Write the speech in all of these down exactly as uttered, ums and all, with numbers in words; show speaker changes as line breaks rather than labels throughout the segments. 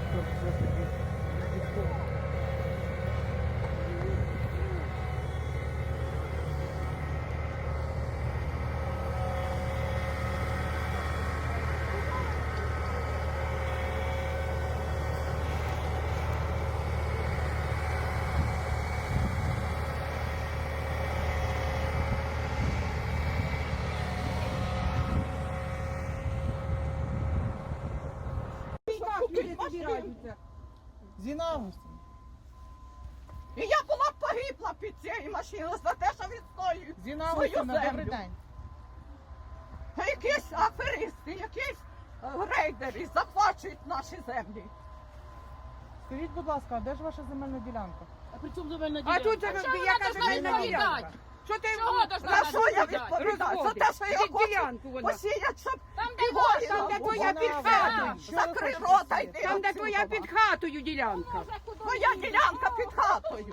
Тобто все ж таки військово. Зіна Августівна,
І я була б погибла під цією машиною за те, що відстоюю
Зіна
свою
Августівна, добрий
землю.
день.
А якісь аферисти, якісь е, рейдери захвачують наші землі.
Скажіть, будь ласка, а де ж ваша земельна ділянка?
А при чому земельна
А
ділянка?
тут же
Чого
яка
вона
земельна
должна
ділянка?
відповідати?
Що ти
Чого должна
За що я
відповідати?
відповідаю? За те, що я
Під
хочу
ділянку вона.
посіяти, щоб
Там, де
і
ваша,
воїна
там, де
було.
твоя під
Вона
хатою.
ваша. Що ви
Закрий
хочете
рота,
посіяти?
йди
Там, де
отсюда.
твоя під хатою ділянка.
Моя ділянка під хатою.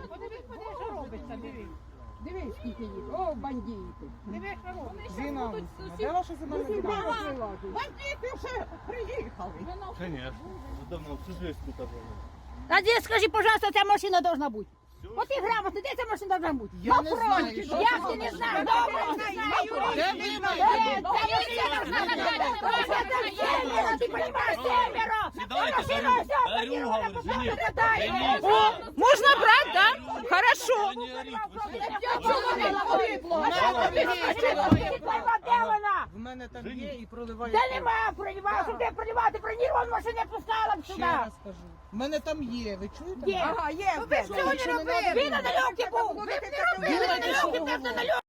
Дивись, скільки їх. О, бандити. Дивись, що робить.
Зіна Августівна, де ваша земельна ділянка?
Бандити вже приїхали.
Конечно. Уже давно, всю жизнь тут было.
А де, скажи, пожалуйста, ця машина должна бути? От і грамотно, де ця машина должна бути?
Я не знаю, що
Я ж ти не знаю, добре, не знаю.
Де ви
Е,
знаєте?
Ця машина должна бути. Ось це семеро, ти розумієш, семеро.
Сідайте,
Машина
говорю,
вся
дарю,
поїхала,
говорю,
потім
жене.
передає.
Жене.
О,
Можна брати, так? Хорошо.
Да не орите, вы что?
я чоловіка погибло. Де вона?
В мене там є і проливає.
Де
кров.
нема проливати, що ти проливати, бронірував машину не пускала б
Ще
сюди.
раз кажу. В мене там є, ви чуєте?
Є.
Ага, є.
Ви що не робили? Він на нальоті був. Ви б не робили,
Думайте,
на
що
нальоті,
ви
так на
говорите.
нальоті.